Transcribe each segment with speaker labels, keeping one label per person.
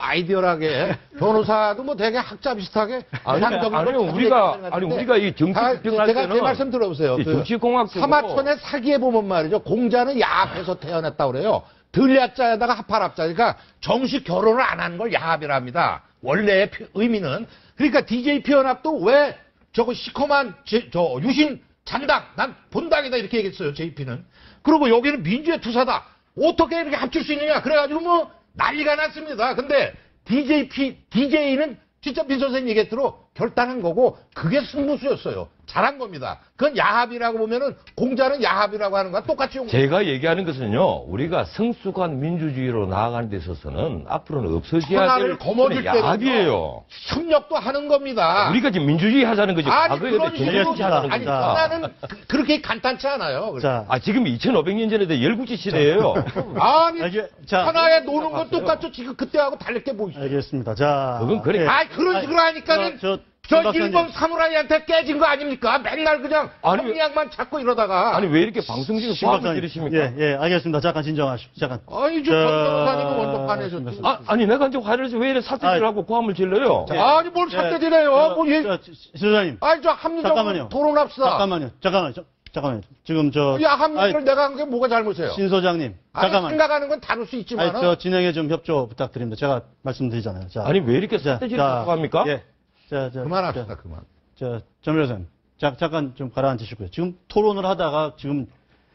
Speaker 1: 아이디어하게 변호사도 뭐 되게 학자 비슷하게
Speaker 2: 아니요, 우리가 이 정치 비평할
Speaker 1: 제가
Speaker 2: 때는
Speaker 1: 제 말씀 들어보세요.
Speaker 2: 정치공학적으로
Speaker 1: 사마천의 사기에 보면 말이죠. 공자는 야합에서 태어났다고 그래요. 들야자에다가 합할합자. 그러니까 정식 결혼을 안 하는 걸 야합이라 합니다. 원래의 의미는. 그러니까 DJ 피연합도 왜 저거 시커먼 저 유신 잔당, 난 본당이다 이렇게 얘기했어요. JP는. 그리고 여기는 민주의 투사다. 어떻게 이렇게 합칠 수 있느냐. 그래가지고 뭐 난리가 났습니다. 근데 DJ는 진짜 민 선생님 얘기했대로 결단한 거고 그게 승부수였어요. 잘한 겁니다. 그건 야합이라고 보면은 공자는 야합이라고 하는 거와 똑같이 용.
Speaker 2: 제가 얘기하는 것은요, 우리가 성숙한 민주주의로 나아가는 데 있어서는 앞으로는 없어져야 될
Speaker 1: 거머쥘 때는
Speaker 2: 야합이에요.
Speaker 1: 협력도 하는 겁니다.
Speaker 2: 우리가 지금 민주주의 하자는 거지.
Speaker 1: 아니
Speaker 2: 과거에
Speaker 1: 그런 식으로
Speaker 2: 하자는
Speaker 1: 아니
Speaker 2: 겁니다.
Speaker 1: 하나는 그렇게 간단치 않아요.
Speaker 3: 자,
Speaker 2: 지금 2500년 전에 열국지 시대예요.
Speaker 1: 아니
Speaker 3: 자,
Speaker 1: 하나에 노는 건 똑같죠. 지금 그때하고 다를 게 뭐 있어요.
Speaker 3: 알겠습니다. 자,
Speaker 2: 그건 그래.
Speaker 3: 예.
Speaker 1: 그런 식으로 하니까는 저 일본 사무라이한테 깨진 거 아닙니까? 맨날 그냥 협리학만 찾고 이러다가.
Speaker 2: 아니 왜 이렇게 방송국에 포함을 들으십니까?
Speaker 3: 예, 알겠습니다. 잠깐 진정하시오. 잠깐.
Speaker 1: 아니 저 변호사님은 먼저 화내셨죠.
Speaker 2: 아니 내가 이제 화를 내서 왜 이래 사태질 하고 고함을 질러요?
Speaker 1: 아니 뭘 사태질해요? 뭐
Speaker 3: 시소장님.
Speaker 1: 아니 저 합리적으로 토론합시다.
Speaker 3: 잠깐만요. 지금
Speaker 1: 합리를 내가 한 게 뭐가 잘못이에요?
Speaker 3: 신 소장님. 잠깐만.
Speaker 1: 생각하는 건 다를 수 있지만.
Speaker 3: 저 진행에 좀 협조 부탁드립니다. 제가 말씀드리잖아요. 자.
Speaker 2: 아니 왜 이렇게 사태질을 하고 합니까?
Speaker 3: 예.
Speaker 1: 그만합시다, 그만.
Speaker 3: 전 변호사님. 잠깐 좀 가라앉으시고요. 지금 토론을 하다가 지금,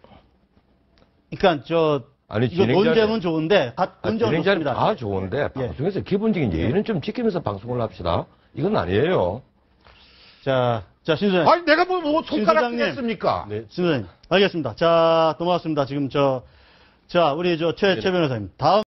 Speaker 3: 그러니까 이거 논쟁은 좋은데, 논쟁은
Speaker 2: 진행자는
Speaker 3: 좋습니다.
Speaker 2: 다 좋은데, 방송에서 기본적인 예의는 좀 지키면서 방송을 합시다. 이건 아니에요.
Speaker 3: 자, 신 소장님.
Speaker 1: 아니, 내가 뭐 손가락 냈습니까?
Speaker 3: 네, 신 소장님. 알겠습니다. 자, 넘어갔습니다. 지금 우리 최 변호사님. 다음